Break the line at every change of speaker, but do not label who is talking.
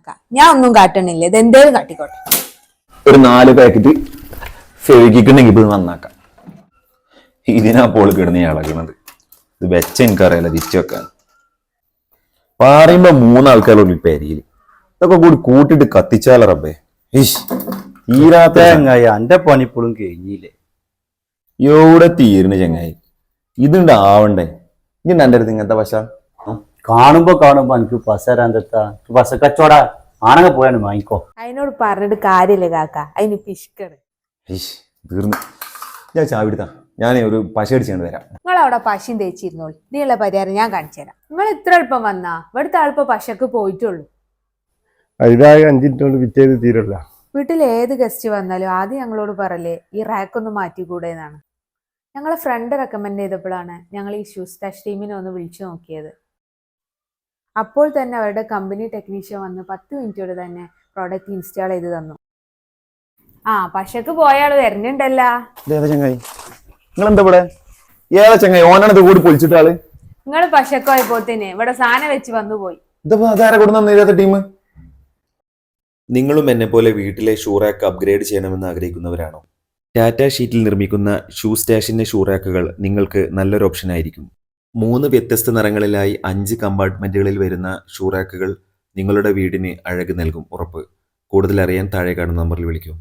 നന്നാക്കാം. ഞാൻ ഒന്നും കാട്ടണില്ല, ഇത് എന്തേലും കാട്ടിക്കോട്ടെ.
ഒരു 4 പാക്കറ്റ് ഫെവിക്കിട്ടുണ്ടെങ്കിൽ ഇത് നന്നാക്കാം. ഇതിനാ പോള് കിടന്ന് ഇളകണത്. ഇത് വെച്ച എനിക്കറിയാലോ തിരിച്ചു വെക്കാൻ. പറയുമ്പോ 3 ആൾക്കാരുള്ള പെരിയില് ഇതൊക്കെ കൂടി കൂട്ടിട്ട് കത്തിച്ചാല റബ്ബേ. തീരാത്ത
ചങ്ങായി എന്റെ പണിപ്പോഴും കഴിഞ്ഞില്ലേ?
എവിടെ തീരുന്ന ചങ്ങായി? ഇതുണ്ട് ആവണ്ടേ? ഇതുണ്ട് എന്റെ അടുത്ത് ഇങ്ങനത്തെ പശ
കാണുമ്പോ എനിക്ക് പസരാന്താ പസ കച്ചവട ആണങ്ങ പോയാണ് വാങ്ങിക്കോ.
അതിനോട് പറഞ്ഞിട്ട് കാര്യമില്ല കാക്ക, അതിന് പിഷ്കണ്.
തീർന്നു. ഞാൻ ചാവിടുത്താ, ഞാൻ ഒരു പശ അടിച്ചുകൊണ്ട് വരാം.
നിങ്ങൾ അവിടെ പശയും തേച്ചിരുന്നോളൂ, ഇതിനുള്ള പരിഹാരം ഞാൻ കാണിച്ചു തരാം. നിങ്ങൾ ഇത്ര എളുപ്പം വന്നാ ഇവിടുത്തെ ആളിപ്പോ പശക്ക് പോയിട്ടുള്ളൂ.
ഇതായി 5 മിനിറ്റ് കൊണ്ട് വിറ്റേത് തീരല്ല.
വീട്ടിൽ ഏത് ഗസ്റ്റ് വന്നാലും ആദ്യം ഞങ്ങളോട് പറയലേ ഈ റാക്കൊന്ന് മാറ്റിക്കൂടെ എന്നാണ്. ഞങ്ങളെ ഫ്രണ്ട് റെക്കമെൻഡ് ചെയ്തപ്പോഴാണ് ഞങ്ങൾ ഈ ഷൂ സ്റ്റാഷ് ടീമിനെ ഒന്ന് വിളിച്ചു നോക്കിയത്. അപ്പോൾ തന്നെ അവരുടെ കമ്പനി ടെക്നീഷ്യൻ വന്ന് 10 മിനിറ്റോടെ തന്നെ പ്രോഡക്റ്റ് ഇൻസ്റ്റാൾ ചെയ്ത് തന്നു. പശക്ക് പോയാൾ വരുന്നുണ്ടല്ലോ.
ചങ്ങായി നിങ്ങൾ എന്താ ഇവിടെ? ഏതാ ചങ്ങായി? ഓനാണ് ഇത് കൂടി പൊളിച്ചിട്ടാള്.
നിങ്ങൾ പശക്കോയപ്പോത്തിന് ഇവിടെ സാധനം വെച്ച് വന്നു പോയി.
ഇതിപ്പോ അതാരെ കൊടുത്ത ടീം?
നിങ്ങളും എന്നെ പോലെ വീട്ടിലെ ഷൂ റാക്ക് അപ്ഗ്രേഡ് ചെയ്യണമെന്ന് ആഗ്രഹിക്കുന്നവരാണോ? ടാറ്റ ഷീറ്റിൽ നിർമ്മിക്കുന്ന ഷൂ സ്റ്റാഷിന്റെ ഷൂ റാക്കുകൾ നിങ്ങൾക്ക് നല്ലൊരു ഓപ്ഷൻ ആയിരിക്കും. 3 വ്യത്യസ്ത നിറങ്ങളിലായി 5 കമ്പാർട്ട്മെന്റുകളിൽ വരുന്ന ഷൂ റാക്കുകൾ നിങ്ങളുടെ വീടിന് അഴക് നൽകും, ഉറപ്പ്. കൂടുതൽ അറിയാൻ താഴെ കാണുന്ന നമ്പറിൽ വിളിക്കൂ.